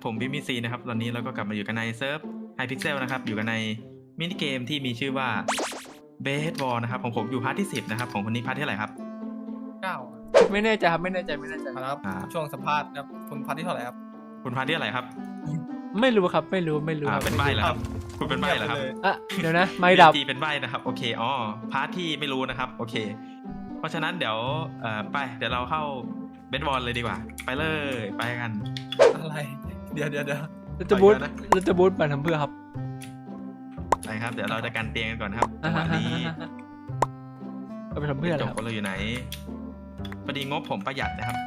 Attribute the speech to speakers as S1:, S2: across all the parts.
S1: ผมบิมิซีนะครับตอนนี้เราก็กลับมาอยู่กันในเซิร์ฟไฮพิกเซลนะครับอยู่กันในมินิเกมที่มีชื่อว่าเบสบอลนะครับของผมอยู่พาร์ทที่10นะครับของคนนี้พาร์ทที่เท่าไหร่ครับ
S2: 9ไม่แน่ใจครับไม่แน่ใจ
S3: ครับช่วงสัมภาษณ์ครับคุณพันที่เท่าไหร่ครับ
S1: คุณพาร์ทที่เท่าไหร่ครับ
S2: ไม่รู้ครับไม่รู้
S1: เป็นใบ้เหรอครับคุณเป็นใบ้เหรอครับ
S2: อ่ะเดี๋ยวนะไม่ดับ
S1: BG เป็นใบ้นะครับโอเคอ๋อพาร์ทที่ไม่รู้นะครับโอเค เพราะฉะนั้นเดี๋ยวไปเดี๋ยวเราเข้าเบสบอลเลยดีกว่าไปเลยไปกัน
S3: อะไรเดี๋ยว
S2: เราจะบูทไปทำเพื่อครับ
S1: ไปครับเดี๋ยวเราจะกันเตียงกันก่อนครับจังหวะนี้
S2: เราไปทำเพื่ออะไร
S1: จ
S2: ครับ
S1: บเราอยู่ไหนพอดีงบผมประหยัดนะครับ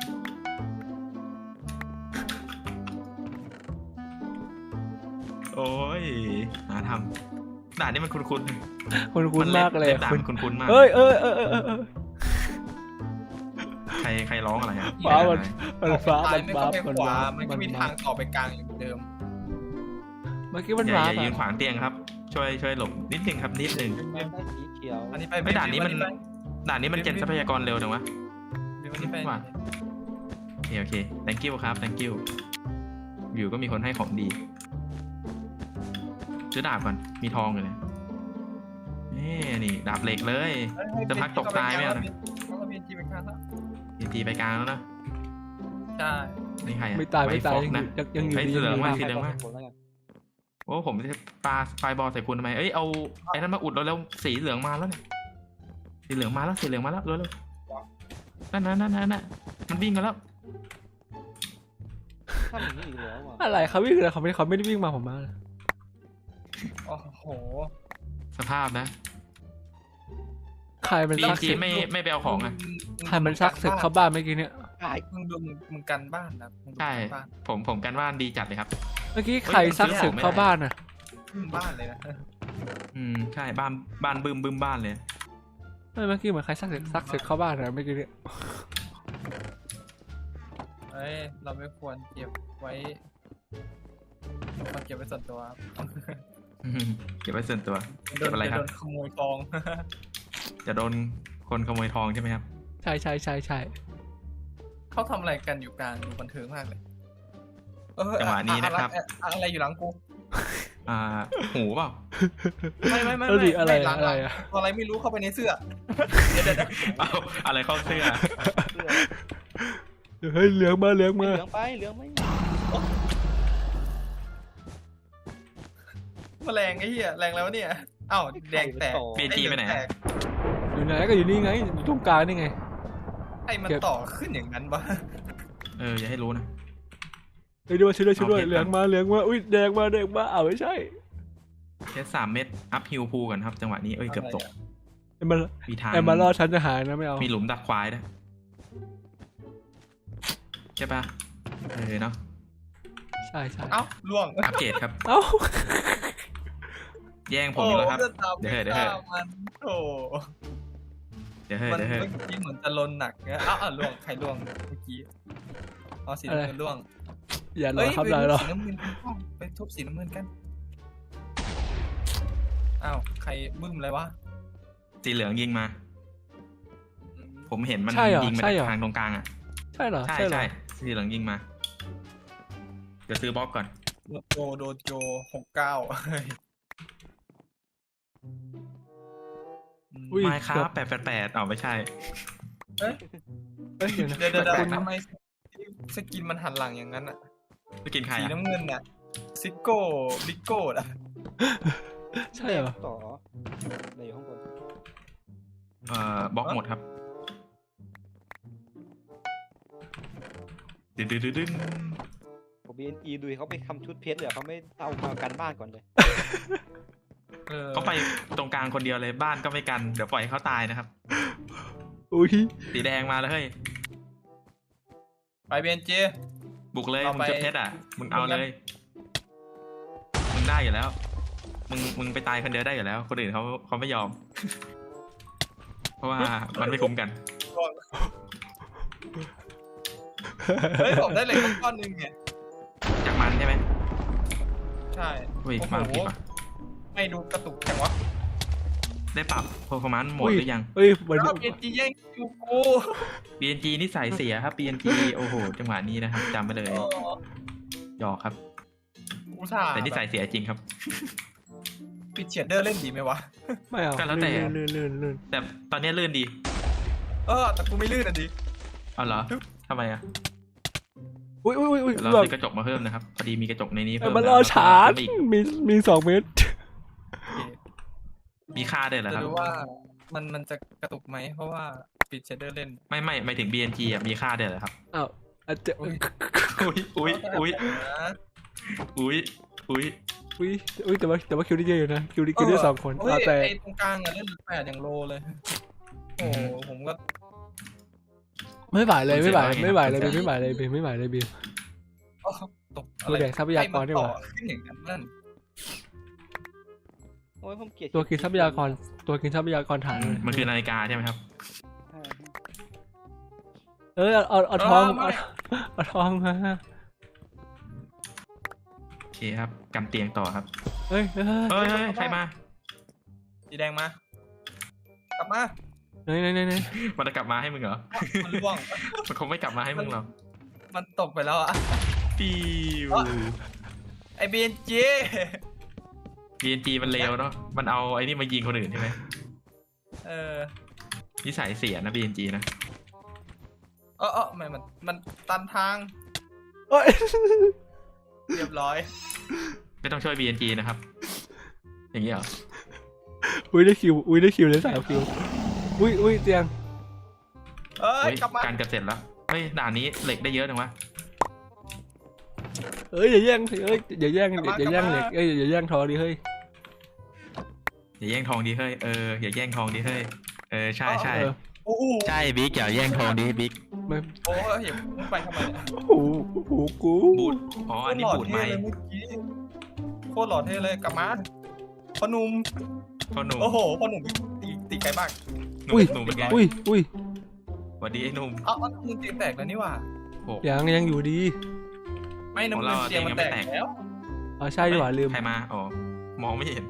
S1: โอ้ยหาทำด่านนี้มันคุ้น
S2: คุ้นมากเลย
S1: ด่านคุ้นมากใครร้องอะไรครับ
S2: ฟ้ามันฟ้า
S3: ไม่เข้าไปขวามันก็มีทางต่อไปกลางอยู่เดิม
S2: เมื่อกี้มัน
S1: อย่า
S2: ฟ้า
S1: ยืนขวางเตียงครับช่วยหลบนิดนึงครับนิดนึง
S4: ได้สีเขียว
S3: อันนี้ไป
S1: ไม่ด่านนี้มันเจนทรัพยากรเร็วจังวะ
S3: อันนี้ไป
S1: โอเค thank you ครับ thank you วิวก็มีคนให้ของดีซื้อดาบก่อนมีทองอยู่เลยนี่ดาบเหล็กเลยจะพักตกตายไหมนะ
S3: ต้องเบียนจีไปกลางแล้ว
S1: ทีไปกลางแล้วนะ
S3: ใช่
S1: นี่ใคร
S2: ไม่ตาย
S1: ฟอกนะ
S2: ยังอยู่ดี
S1: เหลืองมาก
S4: สี
S1: สีเหลืองมากโอ้ผมจะปาไฟบอลใส่คุณทำไมเอ้ยเอาไอ้นั่นมาอุดเราแล้วสีเหลืองมาแล้วเนี่ยสีเหลืองมาแล้วเร็วนั่นมันวิ่งกันแล้ว
S4: ทำอย่างนี้อีกแล้วอ่ะ
S2: อะไรเขาวิ่งเลยเขาไม่ได้วิ่งมาผมมา
S3: โอ้โห
S1: สภาพนะ
S2: ใครมันซัก
S1: จี
S2: ศึก
S1: ไม่ไปเอาของอ่ะ
S2: ใครมันซักศึกเข้าบ้านเมื่อกี้เนี่ย
S3: มึงกันบ้านนะ
S1: ใช่ผมกันว่านดีจัดเลยครับ
S2: เมื่อกี้ใครซักศึกเข้าบ้านน่ะ
S3: บ้านเลยนะ
S1: ใช่บ้านบึมบ้านเลย
S2: เมื่อกี้เหมือนใครซักศึกเข้าบ้านนะเมื่อกี้เนี่ย
S3: เอ้ยเราไม่ควรเก็บไว้ส่วนตัว
S1: เก็บไว้ส่วนตัวเก็บอะไรครับ
S3: โดนขโมยทอง
S1: จะโดนคนขโมยทองใช่ไหมครับ
S2: ใช่
S3: เขาทำอะไรกันอยู่กลางดูบันเทิงมากเลย
S1: จังหวะนี้นะครับ
S3: อะไรอยู่หลังกู
S1: หูเปล่า
S3: ไม่
S2: อะไร
S3: หลัง
S2: อะไรอะ
S3: อะไรไม่รู้เข้าไปในเสื้อเดี๋ยว
S1: เอาอะไรเข้าเสื้อ
S2: เฮ้ยเหลืองมา
S4: เหลืองไหม
S3: มาแรงไอ้เหี้ยแรงแล้วเนี่ยอ้าวแดงแตก
S1: BG ไปไหน
S2: อยู่ไหนก็อยู่นี่ไงอยู่ตรงกลางนี่ไง
S3: ไอ้มันต่อขึ้นอย่างนั้นปะ
S1: อย่าให้รู้นะ
S2: ช่วยด้วยเหลืองมาอุ้ยแดงมาอ้าวไม่ใช่
S1: แค่3 เม็ดอัพฮิลพูกันครับจังหวะนี้เกือบตกมีทาง
S2: มารอดฉันจะหายนะไม่เอา
S1: มีหลุมดักควายด้วยใช่ปะเนาะ
S2: ใช่
S3: เอ้าล่วง
S1: อัปเกรดครับ
S2: เอ้า
S1: แย่งผมอีกแล้วครับเดี๋ยว
S3: มันโอ้
S1: เดี๋ยว
S3: เมื่อกี้เหมือนจะลนหนักเนี่ยอ้าวล่วงใครล่วงเมื่อกี้อ๋อสีน้ำเงินล่วง
S2: อย่ารอครับได้หรอ
S3: สีน้ำเงินไปทุบสีน้ำเงินกันอ้าวใครบึ้มอะไรวะ
S1: สีเหลืองยิงมาผมเห็นมันยิงมาจากทางตรงกลางอ่ะ
S2: ใช่เหรอ
S1: ใช่สีเหลืองยิงมาเดี๋ยวซื้อบล็อกก่อน
S3: โดโจ69
S1: ไม่ครับ888ไม่ใช่
S3: เดี๋ยวทำไมสกินมันหันหลังอย่างนั้นอ่ะ
S1: ไปกินใคร
S3: สี
S1: อ่ะ
S3: น้ำเงินน่ะซิโก้ลิโก้อ่ะ
S2: ใช่เหรอ
S4: ต่อในอยู่ข้างบน
S1: บล็อกหมดครับดึง
S4: ผมBNE ดูเขาไปทำชุดเพชรเลยเขาไม่เอามากันบ้านก่อนเลย
S1: เขาไปตรงกลางคนเดียวเลยบ้านก็ไม่กันเดี๋ยวปล่อยให้เขาตายนะครับ
S2: อุ้ย
S1: สีแดงมาแล้วเฮ้ย
S3: ไปเบียนเจ
S1: บุกเลยมึงจะเพชรอ่ะมึงเอาเลยมึงได้อยู่แล้วมึงไปตายคนเดียวได้อยู่แล้วคนอื่นเขาไม่ยอม เพราะว่ามันไม่คุ้มกัน
S3: เฮ้ยผมได้เหล็กก้อนนึงไง
S1: จากมันใช่ไหม
S3: ใช่
S1: อุ้ยมาผิดป่ะ
S3: ไม่ดูกระตุกจังวะ
S1: ได้ปรับ performance โหมดหรือยัง
S2: เฮ้ยเหมือน
S3: แล้วเบียนจีแย่งคิวกู
S1: BNG นี่สายเสียครับ BNG โอ้โหจังหวะนี้นะครับจำไปเลยหยอกครับ
S3: อุตส่าห์
S1: แต่นิสัยเสียจริงครับ
S3: ปิดเชดเดอร์เล่นดีไหมวะ
S2: ไม่เอา
S1: ก็แล้วแต่
S2: ลื่น
S1: แต่ตอนนี้ลื่นดี
S3: แต่กูไม่ลื่นอ่ะดิ
S1: เอาเหรอทำไมอ่ะ
S2: อุ้ย
S1: เรา
S2: แบบ
S1: ซื้อกระจกมาเพิ่มนะครับพอดีมีกระจกในนี้
S2: เอ
S1: เพิ่
S2: อ
S1: ม
S2: มัน
S1: แล้ว
S2: รอชาร์จ
S1: แล้วอีก
S2: มี2 เมตร
S1: มีค่าด้วยเหรอค
S3: จะ
S1: รับ
S3: ดูว่ามันจะกระตุกไหมเพราะว่าปิดเชดเดอร์เล่น
S1: ไม่หมายถึง BNG อ่ะมีค่าด้วยเหรอครับ
S2: อ้าวอาจจะ
S1: อุ้ยอุ้ย
S3: นะ
S2: อุ้ยแต่ว่าคิวได้เยอะอยู่นะคิวได้2 คน
S3: เฮ้ย
S2: แต่
S3: ไอ้ตรงกลางอะเล่น8อย่างโลเลย โอ้โหผมก็
S2: ไม่ไหวเลยไม่ไหวเลยบีม
S3: ตก
S2: ตัวแดกทรัพยากรดีกว่า
S3: ขึ้นอย่างนั้นนั่น
S4: โอ้ยผมเกลียด
S2: ตัวกินทรัพยากรถัง
S1: มันคือนาฬิกาใช่ไหมครับ
S2: เอาทองเอาทองมา
S1: โอเคครับกำเตียงต่อครับ
S2: เฮ้ย
S1: เฮ้ยใครมา
S3: สีแดงมา กลับมา
S2: ไหน
S1: มันจะกลับมาให้มึงเหรอ
S3: มันร่วง
S1: มันคงไม่กลับมาให้มึงหรอก
S3: มันตกไปแล้วอะ
S1: ปิว
S3: ไอ้เบนจี
S1: BNG มันเลวเนาะมันเอาไอ้นี่มายิงคนอื่นใช่ไหม
S3: เออ
S1: นิสัยเสียนะ BNG นะ
S3: ไม่มันตันทาง
S2: เอ้ย
S3: เรียบร้อย
S1: ไม่ต้องช่วย BNG นะครับ อย่างนี้เหรอ
S2: อุ้ยได้คิวเลย3 คิวอุ้ยเตียง
S3: เอ้ย
S1: เฮ้ย
S3: กลับมา
S1: การเกือบเสร็จแล้วเฮ้ยด่านนี้เหล็กได้เยอะจังวะ
S2: เอ้ยอย่าแย่งอย่าแย่งเหล็กอย่าแย่งทองดิเฮ้ย
S1: อย่าแย่งทองดีเฮ้ยอย่าแย่งทองดีเฮ้ยใช่
S2: เออ
S3: โอ้โห
S1: ใช่บิ๊กอย่าแย่งทองดีบิ๊ก
S2: ไม่
S3: โอ้ยเห็นมึงไปทำไมเนี่ย
S2: โอ้โหกู
S1: บูดอ๋ออันนี้บูดไหม
S3: โคตรหล่อเท่เลยกลับมาพ่อหนุ่ม
S1: พ่อหนุ่ม
S3: โอ้โหพ่อหนุ่มตีไกลมาก
S1: หนุ่มเป็นไง
S2: อุ้ย
S1: สวัสดีไอ้หนุ่ม
S3: มึงเตียงแตกแล้วนี่หว่า
S1: โอ้
S2: ยังอยู่ดี
S3: ไม่น้ำ
S1: ของ
S3: เงิ
S1: เรา
S3: นเตียงมันแตก
S1: เตียงยังไม่แตก
S3: แล้ว
S2: อ๋อใช่ดีกว่าลืม
S1: ใครมาอ๋อมองไม่เห็น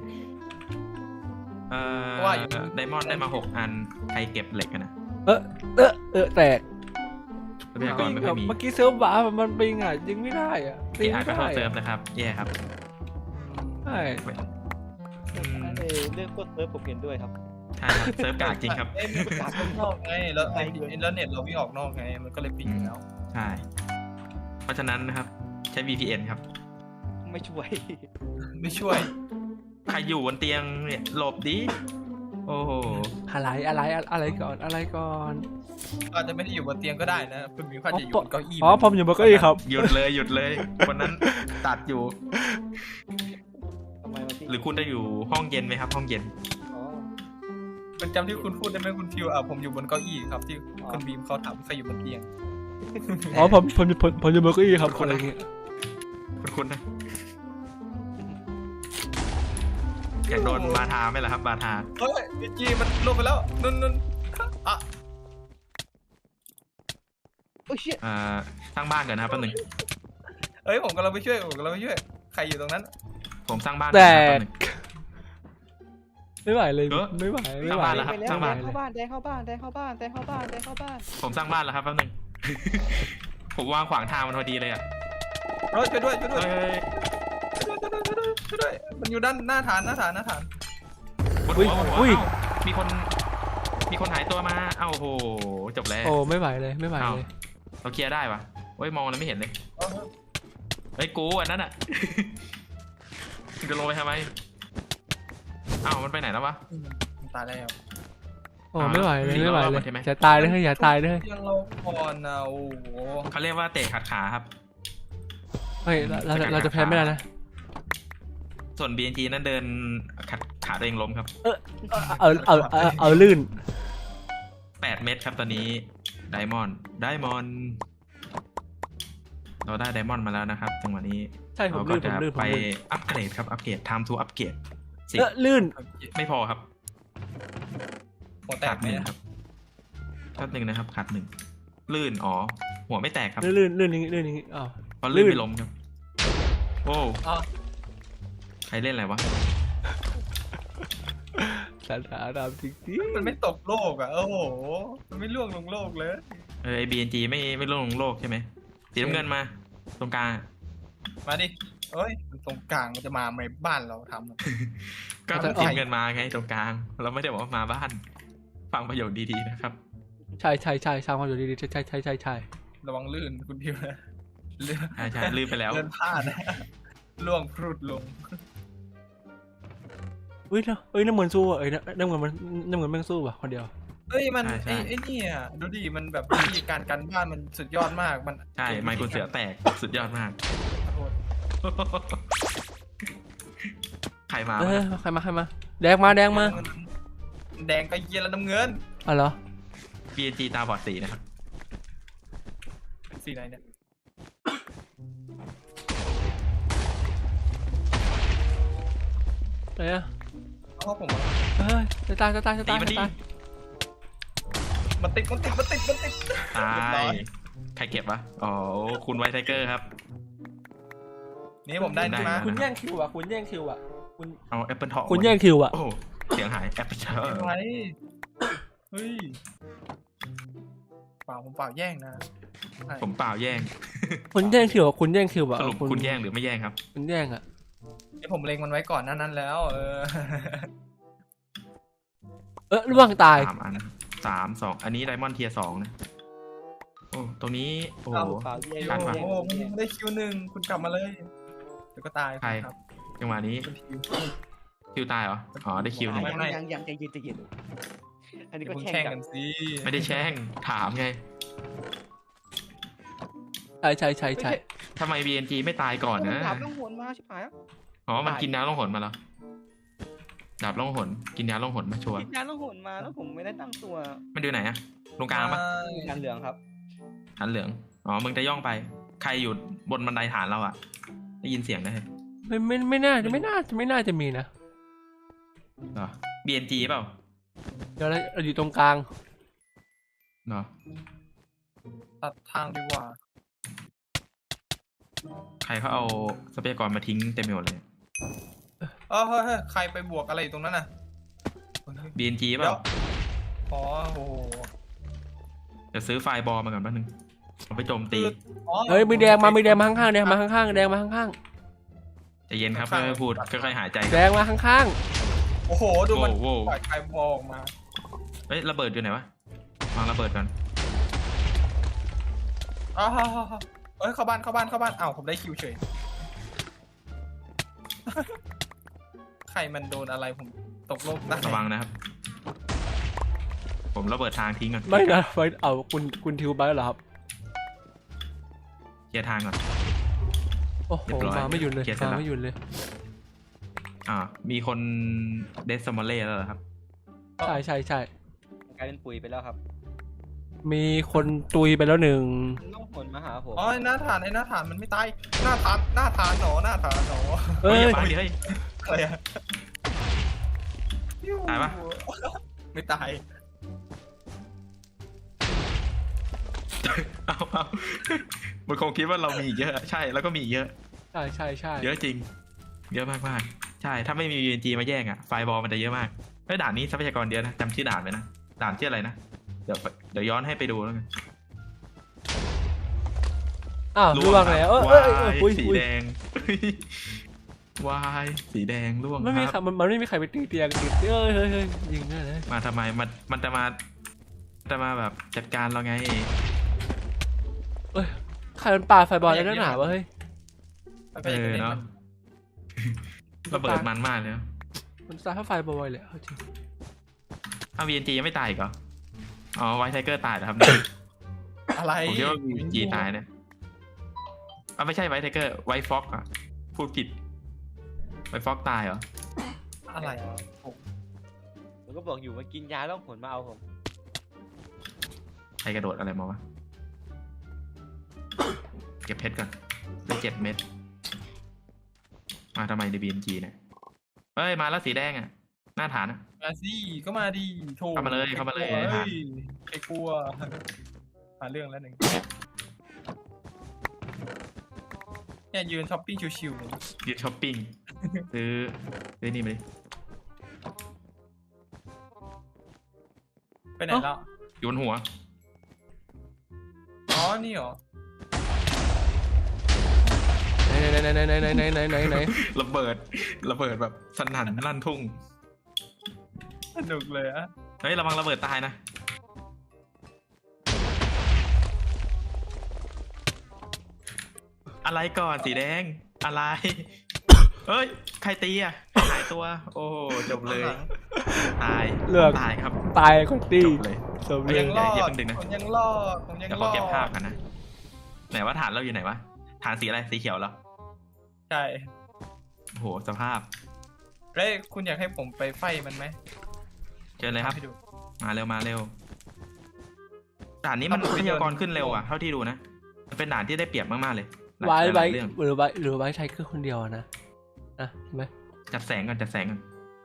S1: ไดมอนด์ได้มา6 อันใครเก็บเหล็กกันนะ
S2: แตก
S1: ทรัพยากรไม่ค่อยมี
S2: เมื่อกี้เซิร์ฟบ้ามันปิงอ่ะยิงไม่ได้อ่ะ
S1: ที่อาจก็โทษเซิร์ฟนะครับแย่ครับ
S2: ใช่
S4: เรื่องโคตรเซิร์ฟผมเห็นด้วยครับ
S1: ใช่ครับเซิร์ฟกากจริงครับ
S3: มันกากข้างนอกไงแล้วแล้วเน็ตเราวิ่งออกนอกไงมันก็เลยปิงอยู่แล้ว
S1: ใช่เพราะฉะนั้นนะครับใช้ VPN ครับ
S4: ไม่ช่วย
S3: ไม่ช่วย
S1: ใครอยู่บนเตียงเนี่ยหลบดิโอ้โห
S2: อะไรก่อน
S3: อาจจะไม่ได้อยู่บนเตียงก็ได้นะคุณมิวอาจจะอยู่บนเก้าอี้
S2: อ๋อผมอยู่บนเก้าอี้ครับ
S1: หยุดเลยวันนั้นตัดอยู่
S4: ทำไมวะพี่
S1: หรือคุณจะอยู่ห้องเย็นไหมครับ ห้องเย็น
S4: อ๋อ
S3: เป็นจำที่คุณพูดได้ไหมคุณทิวผมอยู่บนเก้าอี้ครับที่คุณบีมเขาถามใครอยู่บนเตียง
S2: อ๋อผมอยู่บนเก้าอี้ครับอะไรเงี้ย
S1: คุณนะอยากโดนบาทาไหมล่ะครับบาทา
S3: เฮ้ยจีมันลงไปแล้วนุ่นอ่ะ
S4: โอ้ยเชี่ย
S1: สร้างบ้านก่อนนะครับแป๊บนึง
S3: เฮ้ยผมกำลังไปช่วยใครอยู่ตรงนั้น
S1: ผมสร้างบ้าน
S2: แต่
S1: ก่อนนะครับแป๊บนึง
S2: ไม่ไหวเลย
S1: เออ
S2: ไม่ไหว
S1: สร้างบ้านแล้ว
S4: ไปแล้ว
S1: สร้างบ้าน
S4: แดงเข้าบ้านแดงเข้าบ้าน
S1: ผมสร้างบ้านแล้วครับแป๊บนึง ผมวางขวางทางมันพอดีเลยอ่ะ
S3: เฮ้ยช่วยด้วย
S1: เฮ้ย
S3: มันอยู่ด้านหน้าฐาน
S1: บนหัวบนหัวเอ้ามีคนหายตัวมาเอ้าโอ้โหจบแล้ว
S2: โอ้ไม่ไหวเลย
S1: เราเคลียร์ได้ปะเฮ้ยมองแล้วไม่เห็นเลยเฮ้ยกูอันนั้นอ่ะ จะลงไปทำไมอ้าวมันไปไหนแล้ววะ
S3: ตายแล้ว
S2: โอ้ไม่ไหวเลย
S1: มี
S2: ไม่ไหว
S1: รอบ
S2: เลย
S1: ใช่ไหม
S2: อย่าตายเลยอย่าตายเลย
S3: ยังเราก่อนนะโอ้โห
S1: เขาเรียกว่าเตะขัดขาครับ
S2: เฮ้ยเราจะแพ้ไม่ได้นะ
S1: ส่วน BNG นั้นเดินขัดขาตัวเองล้มครับ
S2: เอาลื่น
S1: 8 เม็ดครับตอนนี้ไดมอนด์เราได้ไดมอนด์มาแล้วนะครับจังหวะนี้
S2: ใช่ผม
S1: เราก็
S2: ลื่น
S1: จะ
S2: ผม
S1: ไป
S2: ลื่น
S1: อัปเกรดครับอัปเกรด time to upgrade สิ
S2: ลื่น
S1: ไม่พอครับ
S3: หัวแต
S1: ขาด
S3: กไหม
S1: 1ครับขาด1นะครับขาด1ลื่นอ๋อหัวไม่แตกครับ
S2: ลื่นอย่างงี้อ้าว
S1: เพราะลื่น
S2: ลื่น
S1: ไม่ล้มครับโอ้
S3: อ๋อ
S1: ใครเล่นอะไรวะ
S2: สาดามจริง
S3: มันไม่ตกโลกโอ้โหมันไม่ล่วงลงโลกเลย
S1: ไอ้ BNG ไม่ลงโลกใช่ไหมสีน้ำเงินมาตรงกลาง
S3: มาดิเอ้ยตรงกลางมันจะมาในบ้านเราทำ
S1: ก็ต้องทิ้งเงินมาไงตรงกลาง เราไม่ได้บอกว่ามาบ้าน ฟังประโยคดีๆนะครับ
S2: ใช่สร้างความอยู่ดีๆใช่
S3: ระวังลื่นคุณทิวนะลื่น
S1: ใช่ลืมไปแล้ว
S3: เลื่อนพลาดนะล่วงพรุดลง
S2: เฮ้ยน้ำเหมือนสู้อ่ะน้ำเหมือนแม่งสู้ว่ะคนเดียว
S3: เอ้ยมัน
S1: ใช่
S3: ไอ้เนี่ยดูดิมันแบบวิธีการกันบ้านมันสุดยอดมากมัน
S1: ใช่ไมค์คุณเสือแตกสุดยอดมาก ใครมา
S2: เอ
S1: วะ
S2: อใครมาแดงมา
S3: แดงก็เย็นแล้วน้ำเงิน
S2: อ๋อเหรอ
S1: BNG ตาบอดสีนะครับ
S3: สีไหนเนี่ย
S2: ไหนอ่ะ
S3: เพราะผม
S2: เฮ้ยจะตาย
S1: ตีมันดิ
S3: มันติด
S1: ตายใครเก็บวะอ๋อคุณไวท์ไทเกอร์ครับ
S3: นี่ผมได้นี่มา
S2: คุณแย่งคิวอ่ะคุณ
S1: เอาแอปเปิลทอง
S2: คุณแย่งคิวอ่ะ
S1: โอ้เสียงหายแอปเปิลทอง
S3: ไว้เฮ้ยเปล่าผมเปล่าแย่งนะใช่
S1: ผมเปล่าแย่ง
S2: คุณแย่งคิวอ่ะคุณแย่งคิวอ่ะ
S1: สรุปคุณแย่งหรือไม่แย่งครับ
S2: คุณแย่งอ่ะ
S3: ไอ้ผมเล็งมันไว้ก่อนหนั้นแล้ว
S2: ล่วงตาย
S1: 3 อัน3 2 อันนี้ไดมอนด์เทียร์2นะโอ้ตรงนี้โอ้โห
S4: เปล่าแย่ง
S1: การวาง
S3: โอ้โหได้คิว1คุณกลับมาเลยเดี๋ยวก็ตาย
S1: ใคร
S3: ครับ
S1: จังหวะนี้
S3: คุณทิว
S1: คิวตายเหรออ๋อได้คิวหนึ่ง
S3: ไม่
S4: ยังใจเย็นอันนี้
S3: เดี๋ยว
S4: ก็
S3: คุณ
S4: แช่
S3: แข่
S4: ง
S3: ง
S4: กั
S3: กัน นสิ
S1: ไม่ได้แช่งถามไง
S2: ใช่
S1: ทำไม BNG ไม่ตายก่อนนะ
S4: ดาบต้องหวนมาชิบหาย
S1: อ๋อมันกินน้ำล่องหนมาแล้วดาบล่องหนกินยาล่องหนมาชัวร์
S4: คิดงานต้องหวนมาแล้วผมไม่ได้ตั้งตัว
S1: มันดูไหนอะตรงกลางปะ
S4: งานเหลืองครับ
S1: หันเหลืองอ๋อมึงจะย่องไป ใครอยู่บนบันไดฐานเราอะได้ยินเสียงได้
S2: ไม่น่าจะมีนะ
S1: เหรอ BNG เปล่า
S2: เดี๋ยวเราอยู่ตรงกลาง
S1: เหรอ
S3: ตัดทางดีกว่า
S1: ใครเขาเอาทรัพยากรมาทิ้งเต็มไปหมดเลย
S3: เฮ้ยใครไปบวกอะไรอยู่ตรงนั้นน่ะ
S1: BNG เป
S3: เดี๋ยว
S1: ล่า
S3: อ๋อโอ้โห
S1: เดี๋ยวซื้อไฟล์บอลมาก่อนแป๊บนึงเอาไปโจมตี
S3: อ๋อ
S2: เฮ้ยมีแดงมาข้างๆแดงมาข้างๆแดงมาข้าง
S1: ใจเย็นครับค่อยๆพูดค่อยๆหายใจ
S2: ๆแดงมาข้าง
S3: โอ้โหดูมัน
S1: โว้ว
S3: ปล่อยใครบอลออกมา
S1: เฮ้ยระเบิดอยู่ไหนวะวางระเบิดก่อน
S3: อ้าวเอ้ยเข้าบ้านอ้าวผมได้คิวเฉย ใครมันโดนอะไรผมตกโลกได้
S1: ระวังนะครับ ผมระเบิดทางทิ้งก่อน
S2: ๆไม่นะไปเอาคุณทิวไปเหรอครับ
S1: เคลียร์ทางก่อน
S2: โอ้โห
S1: เรียบร้อย
S2: มาไม่หยุดเลย
S1: เคลียร์เสร็จ
S2: มา
S1: แล้ว
S2: ไม่หยุดเลย
S1: มีคนเดสมอลเล่แล้วเหรอครับ
S2: ใช่
S4: กลายเป็นปุ๋ยไปแล้วครับ
S2: มีคนตุยไปแล้วหนึ่ง
S4: ต้องหวนมาหาผม
S3: อ๋อไอ้หน้าฐานมันไม่ตายหน้าฐานหนอ
S2: เอ้ย
S1: อย่าปาดิเฮ้ย
S3: อะไรอะ
S1: ตายปะ
S3: ไม่ตาย
S1: เอามันคงคิดว่าเรามีอีกเยอะ ใช่แล้วก็มีอีกเยอะ
S2: ใช่
S1: เยอะจริง เยอะมากๆใช่ถ้าไม่มี UNG มาแย่งอะไฟบอลมันจะเยอะมากเฮ้ยด่านนี้ทรัพยากรเยอะนะจำชื่อด่านไว้นะด่านชื่ออะไรนะเดี๋ยวย้อนให้ไปดูแล้วกัน
S2: อ้าวล่วงแล้วเอ้ยปุย
S1: สีแดง วายสีแดงล่วง
S2: ไม่มี
S1: ค
S2: ใคร
S1: รับ
S2: มันไม่มีใครไปตีเตียงติดเฮ้ยยิงได้เลย
S1: มาทำไมมันจะมาแบบจัดการเราไง
S2: ใครมันปาไฟบอลแล้วหนาวะเฮ้ย
S3: ไปอย่างนี้
S1: เนาะ ระเบิดมันมากเลยนะ
S2: มันซาไฟบอลเลยจริง
S1: อ้าว VNG ยังไม่ตายอีกเหรออ๋อไวท์ไทเกอร์ตายเหรอครับ
S3: อะไร
S1: ผมคิดว่า VNG ตายเนี่ยไม่ใช่ไวท์ไทเกอร์ไวท์ฟ็อกอะพูดผิดไวท์ฟ็อกตายเหรอ
S3: อะไร
S4: ผมก็บอกอยู่มากินยาต้องหวนมาเอาผม
S1: ใครกระโดดอะไรมาวะ เก็บเพชรก่อนได้7 เม็ดมาทำไมใน BNG เนี่ยเฮ้ยมาแล้วสีแดงอะหน้าฐานอะ
S3: มาสิก็มาดีโถ
S1: เข้ามาเลย
S3: ใครกลัวหาเรื่องแล้วหนึ่งเนี่ยยืนช้อปปิ้งชิวๆเลย
S1: ยืนช้อปปิ้ง ซื้อนี่มาดิ
S3: ไปไหนแล้ว
S1: อยู่บนหัว
S3: อ๋อนี่เหรอ
S2: ไหนไหน
S1: ระเบิดแบบสนั่นลั่นทุ่ง
S3: สนุกเลยอะ
S1: เฮ้ยระวังระเบิดตายนะอะไรก่อนสีแดงอะไรเฮ้ยใครตีอ่ะหายตัว โอ้จบเลยตาย
S2: เลือก
S1: ตายครับ
S2: ตายคนตี
S1: จบเลย
S2: สม
S3: ผม
S2: เล
S3: ยั
S2: ย
S3: งรอ
S1: อย่า
S3: ด
S1: เพิ่งดึงนะ
S3: ผมยังรอดผมยัง
S1: เดี๋ยว
S3: ร
S1: ขอ
S3: อด
S1: เก็บภาพกันนะไหนว่าฐานเราอยู่ไหนวะฐานสีอะไรสีเขียวเหรอ
S3: ใช่
S1: โอ้โหสภาพ
S3: เฮ้ยคุณอยากให้ผมไปไฟมันไหม
S1: เจอเลยครับ
S3: ให้ดู
S1: มาเร็วมาเร็วด่านนี้มัน
S3: เอาไป
S1: วิทยากร
S3: เดิน
S1: ขึ้นเร็วอ่ะเท่าที่ดูนะมันเป็นด่านที่ได้เปรียบมากๆเลยหลาย
S2: ไว้
S1: หลายเรื่อง
S2: หรือไว้ใช้เครื่องคนเดียวนะใช่ไหม
S1: จัดแสงกันจัดแสงกัน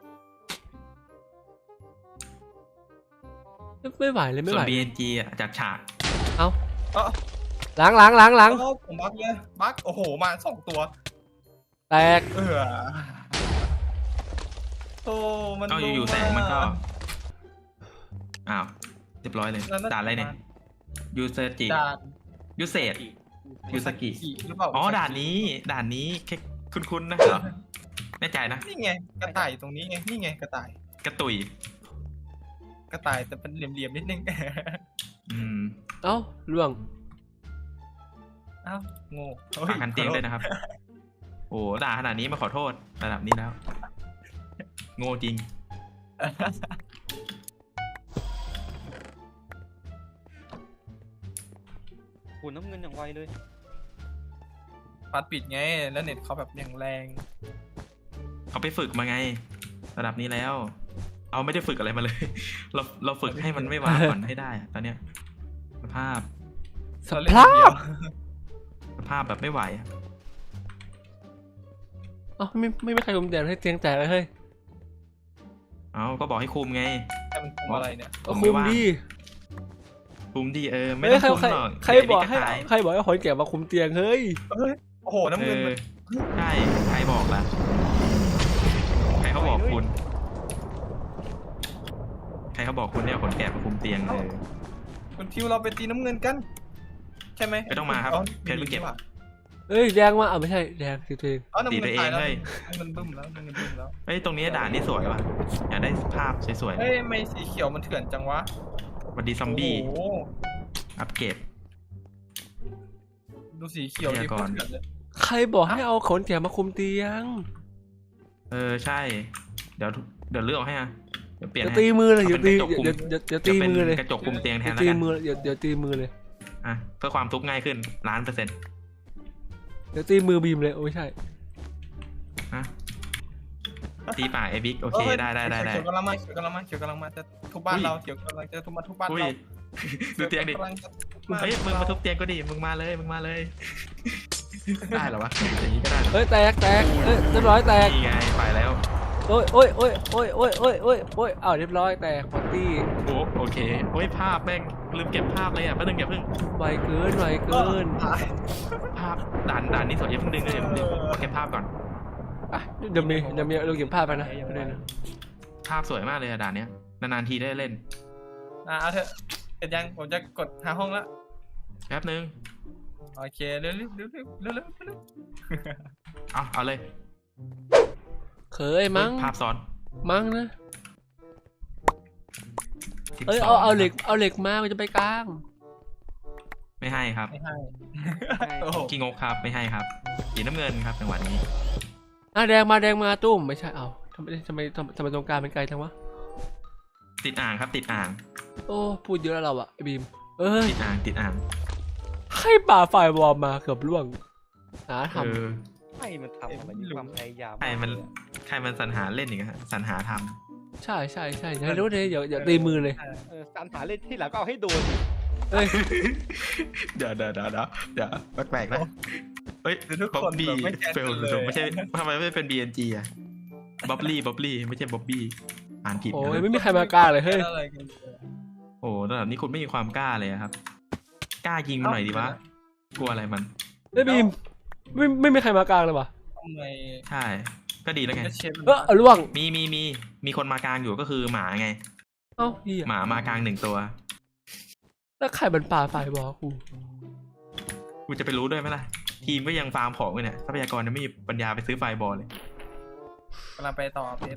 S2: ไม่ไหวเลยไม่
S1: ส่
S2: ไห
S1: ว
S2: วน
S1: BNG อ่ะจัดฉาก
S3: เอ้า
S2: ล้าง
S3: โอ้ผมบักเลยบักโอ้โหมา2 ตัว
S2: แตก
S3: โอ้มัน
S1: ก็อยู่ๆแสงมันก็อ้าวเรียบร้อยเลยด่านอะไรเนี่ยยูเซจิ
S3: ด่าน
S1: ยูเซตยูสกิ
S3: หรือเปล่า
S1: อ๋อด่านนี้แค่คุ้นๆนะเหรอแน่ใจนะ
S3: นี่ไงกระต่ายอยู่ตรงนี้ไงนี่ไงกระต่าย
S1: กระตุย
S3: กระต่ายแต่เป็นเหลี่ยมๆนิดนึง
S1: อืม
S2: เอ้าล่วง
S3: เอ้าโง่
S1: ฝากกันเตียงด้วยนะครับ โอ้ด่าขนาดนี้มาขอโทษระดับนี้แล้ว โง่จริง
S4: คุณน้ำเงินอย่างไวเลย
S3: ปัดปิดไงแล้วเน็ตเขาแบบอย่างแรง
S1: เขาไปฝึกมาไง ระดับนี้แล้ว เอาไม่ได้ฝึกอะไรมาเลย เราฝึกให้มันไม่ว้าก่อนให้ได้อะตอนเนี้ยสภาพ
S2: สภาพ
S1: สภาพแบบไม่ไหวอะ
S2: เอ้าไม่มีใครคุมแดดให้เตียงแตกเลยเฮ้ย
S1: เอาก็บอกให้คุมไง
S3: แต่มันคุมอะไรเนี่ย
S2: ก็คุมดิ
S1: คุมดีไม่
S2: เฮ้
S1: ต้
S2: ย
S1: องคุมหรอก
S2: ใครบอกให้
S1: เดี๋ยวนี้ก็ตาย
S2: ใครบอกให้คนแก่มาคุมเตียงเฮ้ย
S3: โอ้โหน้ำเงินมัน
S1: ใช่ใครบอกล่ะใครเขาบอกคุณ ใครเขาบอกคุณเนี่ยขนแกะมาคุมเตียงเลย
S3: คุณทิวเราไปตีน้ำเงินกัน ใช่ไหม
S1: ไม่ต้องมาครับเพชรเพิ่งเก็บ
S2: เอ้ยแดงมาไม่ใช่แดงสิตัวเอง
S3: อ๋อน้ำ
S1: ตี
S3: เงิน
S1: ตัวเอ
S3: ตาย
S1: ง
S3: แล้ว
S1: เฮ้ย
S3: น้ำเงินบึ้มแล้วน้ำเงินบึ้มแล้ว
S1: เฮ้ยตรงนี้ด่านนี้สวยว่ะอยากได้ภาพสวย
S3: เฮ้ยไม่สีเขียวมันเถื่อนจังวะ
S1: ๆวันดีซอมบี้
S3: โอ้โห
S1: อัปเกรด
S3: ดูสีเขียว
S1: พ
S3: ดิ
S1: ยากรณ์
S3: เถื่อนเลย
S2: ใครบอกให้เอาคนแก่มาคุมเตียง
S1: ใช่ เดี๋ยวเลือกให้อ่ะเดี๋ยวเปลี่ยน
S2: อย่า
S1: ให้
S2: ตีมือเลยอย่าตี
S1: เอาเป็นกระจกคุม
S2: อย่าตีมือเลย
S1: จะเป็นกระจกคุมเตียงแทน
S2: อย่า
S1: แล้ว
S2: ตี
S1: กัน
S2: มืออย่าตีมือเลย
S1: อ่ะเพื่อความทุบง่ายขึ้น1,000,000%
S2: อย่าตีมือบีมเลยโอ้ยใช่
S1: ฮะตีป่าไอบิ๊กโอเคได้
S3: เขียวกำลังมาเขียวกำลังมาเขียวกำลังมาจะทุบบ้านเราเขียวกำลังจะทุบมาทุบบ้าน
S1: อุ้ย
S3: เรา
S1: ดูเตียงดิ
S3: กำลังจะทุบบ้าน
S1: เฮ้ยมึงมาทุบเตียงก็ดีมึงมาเลยได้เหรอวะอย่างนี้ก็ได้เหรอ
S2: เฮ้ยแตกเอ้ยเรียบร้อยแตก
S1: นี่ไงไปแล้ว
S2: โอ้ยอ้าวเรียบร้อยแตกพอตตี้
S1: โอเคโอ้ยภาพแม่งลืมเก็บภาพเลยอ่ะแป๊บนึงอย่าเพิ่ง
S2: ไวเกิน
S3: ตาย
S1: ภาพด่านนี้สวยอย่าเพิ่งดึงเลยเดี๋ยวเก็บภาพก่อน
S2: อ่ะเดี๋ยวมีเราเก็บภาพไปนะไม่ได้นะ
S1: ภาพสวยมากเลยอะด่านเนี้ยนานๆทีได้เล่น
S3: เอาเถอะเสร็จยังผมจะกดหาห้องละ
S1: แป๊บนึง
S3: โอเคเร็ว
S1: เอาเลย
S2: เคยมั้ง
S1: ภาพซ้อน
S2: มั้งนะ
S1: 12
S2: เอ้ยเอาเหล็กมามันจะไปกลาง
S1: ไม่ให้ครับ
S3: ไม่ให้โอ้โห
S1: ขี้งกครับไม่ให้ครับสีน้ำเงินครับจังหวะนี้
S2: แดงมาตุ้มไม่ใช่เอาทำไมตรงกลางเป็นไกลจังวะ
S1: ติดอ่างครับติดอ่าง
S2: โอ้พูดเยอะแล้วเราอะไอ้บีมเอ้ย
S1: ติดอ่าง
S2: ให้ป่าฝ่ายวอร์มมาเกือบล่วงหาท
S4: ให้มันทำอะไรมีความพยายาม
S1: ใครมันสรรหาเล่นอย่างเงี้ยสรรหาท
S2: ำใช่อย่ารู้เลยอย่าตีมือเลย
S4: การหาเล่นที่หลังก็เอาให้โดน
S2: เอ้ย
S1: ำเดี๋ยวแปลกๆนะเฮ้ย
S3: ทุก
S1: บ๊อ
S3: ค
S1: บ
S3: น
S1: บี้
S3: แบบไม่แคร์
S1: เฟล
S3: เลย
S1: ไม่ใช่ทำไมไม่เป็น BNG อ่ะบ๊อบลี่ไม่ใช่บ๊อบบี้อ่านผิด
S2: โอ้
S1: นะ
S2: ยไม่มีใครมากล้าเลยเฮ้ย
S3: อะไรกัน
S1: โอ้ระดับนี้คุณไม่มีความกล้าเลยอะครับ กล้ายิงมันหน่อยดีวะกลัวอะไรมัน
S2: เฮ้ยบีมไม่มีใครมากลางเลยวะ
S3: ทำไม
S1: ใช่ ก็ดีแล้วไง
S3: เชฟ
S2: เอาล่วง
S1: มีคนมากลางอยู่ก็คือหมาไง
S2: เอ้าเหี้ย
S1: หมามากลาง1 ตัว
S2: แล้วใครเป็นป่าฝ่ายวอร์กู
S1: กูจะไปรู้ด้วยไหมล่ะทีมก็ยังฟาร์มของอยู่เนี่ยทรัพยากรยังไม่มีปัญญาไปซื้อไฟบอลเลย
S3: กำลังไปต่อเพชร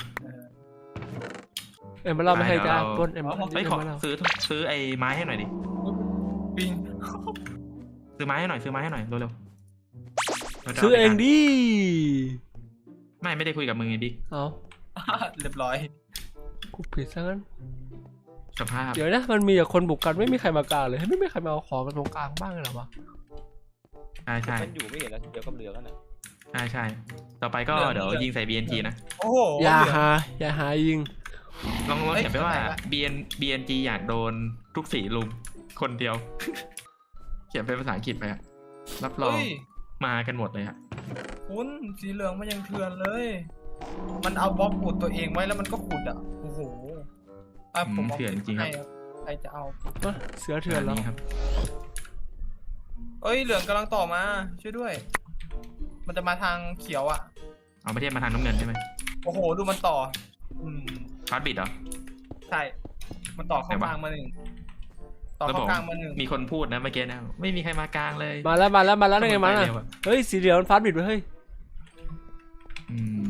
S2: เอ็มมาเล่าไม่ให้จ้าปล้นเอ็ม
S1: เฮ้ยขอซื้อไอ้ไม้ให้หน่อยดิ
S3: ปิง
S1: ซื้อไม้ให้หน่อยเร็วๆ
S2: ซื้อเองดิ
S1: ไม่ได้คุยกับมึงไงดิ
S2: เอา
S3: เรียบร้อย
S2: กูผิดซะงั้น
S1: สภาพ
S2: เดี๋ยวนะมันมีแต่คนบุกกันไม่มีใครมากลางเลยไม่มีใครมาเอาของกันตรงกลางบ้างเลยเหรอวะ
S1: ใช่
S4: มันอยู่ไม่เห็นแล้วเดี๋ยวก็เหลือกันนะ
S1: ใช่ต่อไปก็เดี๋ยวยิงใส่ BNT นะ
S3: โอ้โห
S2: อย่าหายิง
S1: ลองเขียนไปว่า BNG อยากโดนทุกสีลุมคนเดียว เขียนเป็นภาษาอังกฤษไปอะรับรอง
S3: เฮ้ย
S1: มากันหมดเลยอะ
S3: คุณสีเหลืองมันยังเถื่อนเลย มันเอาบล็อกขุดตัวเองไว้แล้วมันก็ขุดอ่ะโอ้โหผม
S1: เถื่อนจริงครับ
S3: ใครจะเอา
S2: เสือเถื่อนแล้ว
S1: นี่ครับ
S3: เอ้ยเหลืองกำลังต่อมาช่วยด้วย มันจะมาทางเขียวอ่ะ
S1: เอาไม่เทียบมาทางน้ำเงินใช่ไหม
S3: โอ้โหดูมันต่อ
S1: ฟาสบิดเหรอ
S3: ใช่มันต่อเข้ากลางมาหนึ่งต่อเข้ากลางมาหนึ่ง
S1: มีคนพูดนะเมื่อกี้นะไม่มีใครมากลางเลย
S2: มาแล้วได้ไงมา
S1: เร็
S2: น่ะ
S1: วอะ
S2: เฮ้ยสีเหลืองมันฟาดบิดไปเฮ้ย
S1: อืม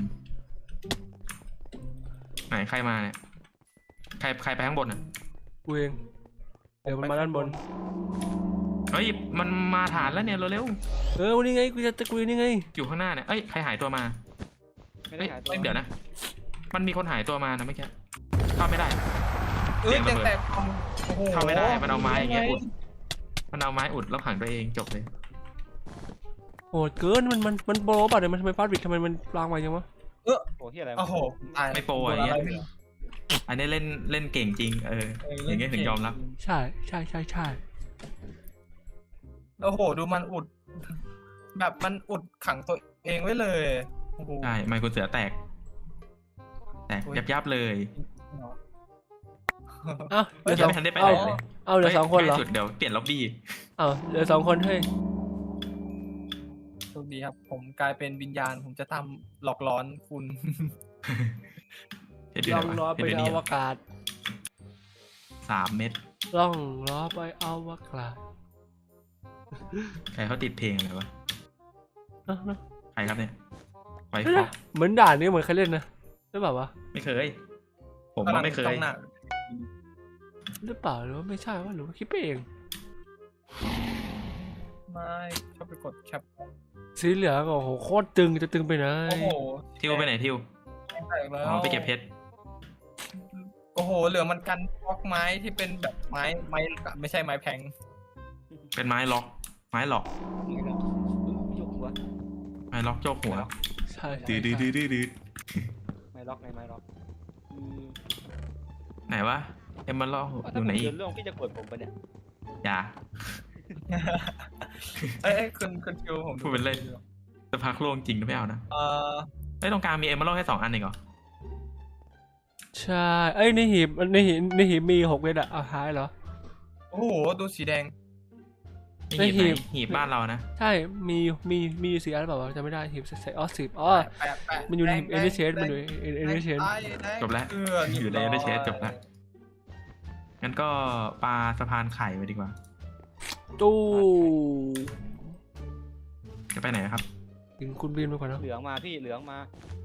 S1: ไหนใครมาเนี่ยใครไปข้างบนอ่ะ
S2: กูเองเดี๋ยวมันมาด้านบน
S1: เฮ้ยมันมาฐานแล้วเนี่ยเร็ว
S2: วันนี้ไงกูจะกูนี่ไง
S1: ๆอยู่ข้างหน้าเนี่ยเอ้ยใครหายตัวมา
S4: ไม่ได้หาตัว
S1: เดี๋ยวนะ มันมีคนหายตัวมานะเมื่อกี้เข้าไม่ได้
S3: เอ้ย
S1: เสียงระเบิด
S3: แตกโอ้โห
S1: เข้าไม่ได้มันเอาไม้อย่างเงี้ยอุด มันเอาไม้อุดแล้วขังตัวเองจบเลย
S2: โหดเกินมันโปรป่ะเดี๋ยวมันทำไมฟาดบิดทำไมมันลางมาจังวะ
S4: โอ้ที่อะไร
S3: โอ้โหตาย
S1: ไม่โปรอย่างเงี้ย อันนี้เล่นเก่งจริงอย่างเงี้ยถึงยอมรับ
S2: ใช่
S3: โอ้โหดูมันอุด แบบมันอุดขังตัวเองไว้เลยโอ้โห
S1: ใช่ไมค์คุณเสือแตกยับเลย
S2: เอ้าเหลือส
S1: ยั
S2: อง
S1: ไม่ทันได้ไปไหนเลย
S2: เอาเหลือสองคนเหรอ
S1: ใกล้สุดเดี๋ยวเปลี่ยนล็อบบี้
S2: เอาเหลือสองคนเฮ้ย
S3: โชคดีครับ ผมกลายเป็นวิญญาณ ผมจะทำหลอกหลอนคุณ
S2: ล่องล้อไปอวกาศ
S1: 3 เม็ด
S2: ล่องล้อไปอวกาศ
S1: ใครเขาติดเพลงอะไรวะ
S2: เนอะ
S1: ใครครับเนี่ยไฟฟ
S2: เฮ้ย
S1: อก
S2: เหมือนด่านนี้เหมือนใครเล่นนะหรือเปล่าวะ
S1: ไม่เคย ผมว่าไม่เคย
S3: จ้องหน้า
S2: หรือเปล่าหรือว่าไม่ใช่วะหรือว่าคิดไปเอง
S3: ไม่ชอบไปกดแคป
S2: สีเหลืองโอ้โหโคตรตึงจะตึงไปไหน
S3: โอ้โห
S1: ทิวไปไหนทิว
S3: แตกแล้ว
S1: อ๋อไปเก็บเพชร
S3: โอ้โห เหลือมันกันบล็อกไม้ที่เป็นแบบไม้ไม่ใช่ไม้แพง
S1: เป็นไม้ล็อก ไม้หลอก
S4: ยกหัว
S1: ไม้ล็อกโจกหัว
S2: ใช่
S1: ดื้อ
S4: ไม่ล็อกไม่ล็อก
S1: ไหนวะเอ็มมาล็อกอยู่ไหนอีก
S4: เรื่องพี่จะกดผมปะเนี่ย
S1: อย่า
S3: เอ้ยคุณคิวผม
S1: พูดเป็นเล่น จะพักโล่งจริงหรือไม่เอานะไอ้ตรงกลางมีเอ็มมาล็อกแค่2 อันเองเหรอ
S2: ใช่เอ้ยในหีบมี6 เม็ดอะเอาหายเหรอ
S3: โอ้โห ดูสีแดง
S1: นี่หีบ
S2: ไอ้หีบ
S1: ไหนหีบบ้านเรานะ
S2: ใช่มีอยู่4 อันหรือเปล่าวะจำไม่ได้หีบใส่10อ๋อ
S3: แปะ
S2: มันอยู่ในหีบเอเนเชนมันอยู่เอเนเชน
S1: จบแล้ว อยู่ในได้เชสจบแล้ว งั้นก็ปลาสะพานไข่ไปดีกว่า
S2: ตู้
S1: จะไปไหนครับ
S2: ถึงคุณบินไปก่อนนะ
S4: เหลืองมาพี่เหลืองมา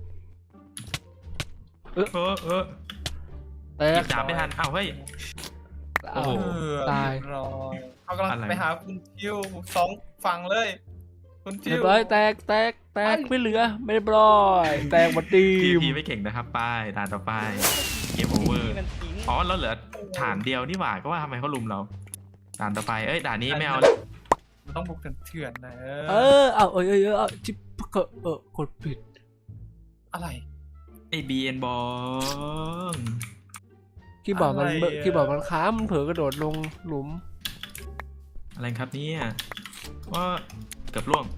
S1: เออ
S2: แต
S1: หยิ
S2: ก
S1: บดาบไม่ทันอ้าวเฮ้ย โอ้โห
S2: ตาย
S3: รอเขากำลัง
S1: อะไร
S3: ไปหาคุณคิว2 ฝั่งเลย คุณคิ
S2: เรีย
S3: ว
S2: บร้อยแตกไม่เหลือไม่เรียบร้อยแตกหมดที
S1: พี
S2: ม
S1: ไม่เก่งนะครับป้ายด่านต่อไปเกมโอเวอร์
S4: นี่มันทิ้ง
S1: อ๋อเราเหลือฐานเดียวนี่หว่าก็ว่าทำไมเขาลุมเราด่านต่อไปด่านนี้ไม่เอาแล้ว
S3: มันต้องบุกเถื่อนๆนะ
S2: เอาจิ๊บกดผิด
S3: อะไร
S1: ไอ้บีเอ็นบอง
S2: คีย์บอร์ดมัน
S3: อะไรอะ
S2: คีย์บอร์ดมันค้างมันเผลอกระโดดลงหลุม
S1: อะไรครับเนี่ยว่าเกือบล่วง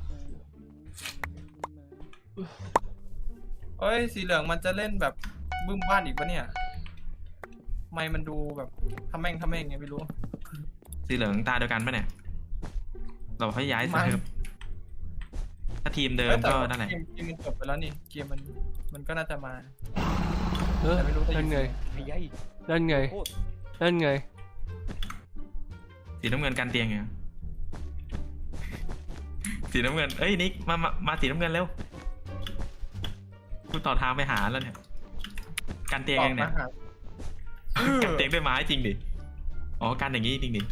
S3: เอ้ยสีเหลืองมันจะเล่นแบบบึ้มบ้านอีกปะเนี่ยไม่มันดูแบบทำแม่งไงไม่รู้
S1: สีเหลืองตาเดียวกันปะเนี่ยเราให้ย้ายเซิร์ฟถ้าทีมเดิมก็นั่นแหละ
S3: เกมมันจบไปแล้วนี่เกมมันก็น่าจะมา
S2: นั่นไง
S4: ไอ้ยัย
S2: นั่นไง
S4: โคตร
S2: นั่นไง
S1: สีน้ำเงินกันเตียงไงสีน้ำเงินเอ้ยนิกมาสีน้ำเงินเร็วกูต่อทางไปหาแล้วเนี่ยกันเตียงเองเนี่ย กันเตียงด้วยไม้จริงดิอ๋อกันอย่างงี้จริงดิ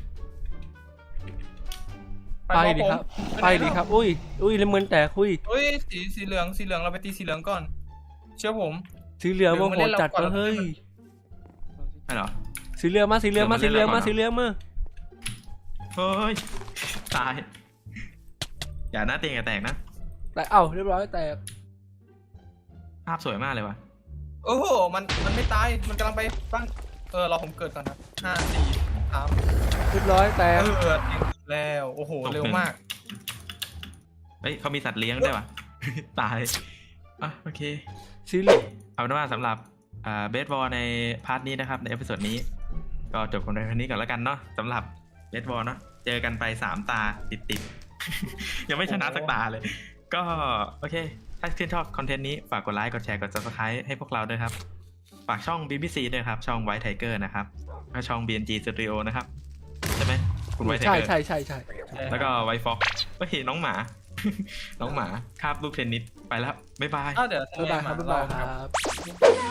S2: ไปดิครับไปดิครับอุ้ยน้ำเงินแตกอุ้ย
S3: เฮ้ยสีเหลืองเราไปตีสีเหลืองก่อน เชื่อผม
S2: สีเหลืองโมโหจัดเฮ้ย
S1: ใช่เหรอ
S2: สีเหลืองมาสีเหลืองมา
S1: เดี๋ยวมา
S2: สีเหลืองมา
S1: เฮ้ยตายอย่าหน้าเตียงอย่าแตกนะ
S2: แต่เอ้าเรียบร้อยแตก
S1: ภาพสวยมากเลยว่ะ
S3: โอ้โหมันไม่ตายมันกำลังไปปั้งรอผมเกิดก่อนครับ5 4 3
S2: เรียบร้อยแตก
S3: เกิดแล้วโอ้โหเร็วมาก
S1: เฮ้ยเขามีสัตว์เลี้ยงด้วยว่ะ ตายอ่ะโอเค
S2: สีเหลือง
S1: เอาเป็นว่าสำหรับเบสบอลในพาร์ทนี้นะครับในเอพิโซดนี้ก็จบกันในครั้งนี้ก่อนแล้วกันเนาะสำหรับเบสบอลเนาะเจอกันไป3ตาติดๆ ยังไม่ชนะสักตาเลย ก็โอเคถ้าชื่นชอบคอนเทนต์นี้ฝากกดไลค์กดแชร์กด Subscribe ให้พวกเราด้วยครับฝากช่อง BBC ด้วยครับช่อง White Tiger นะครับและช่อง BNG Studio นะครับใช่ไหมคุณ White
S2: ใช่
S1: Tiger
S2: ใช่
S1: แล้วก็ White Fox ก็เห็นน้องหมา น้องหมาคาบลูกเทนนิสไปแล้วบ๊ายบาย
S3: เดี๋ยว
S2: บ๊ายบายครับบ๊ายบายครับ
S3: บ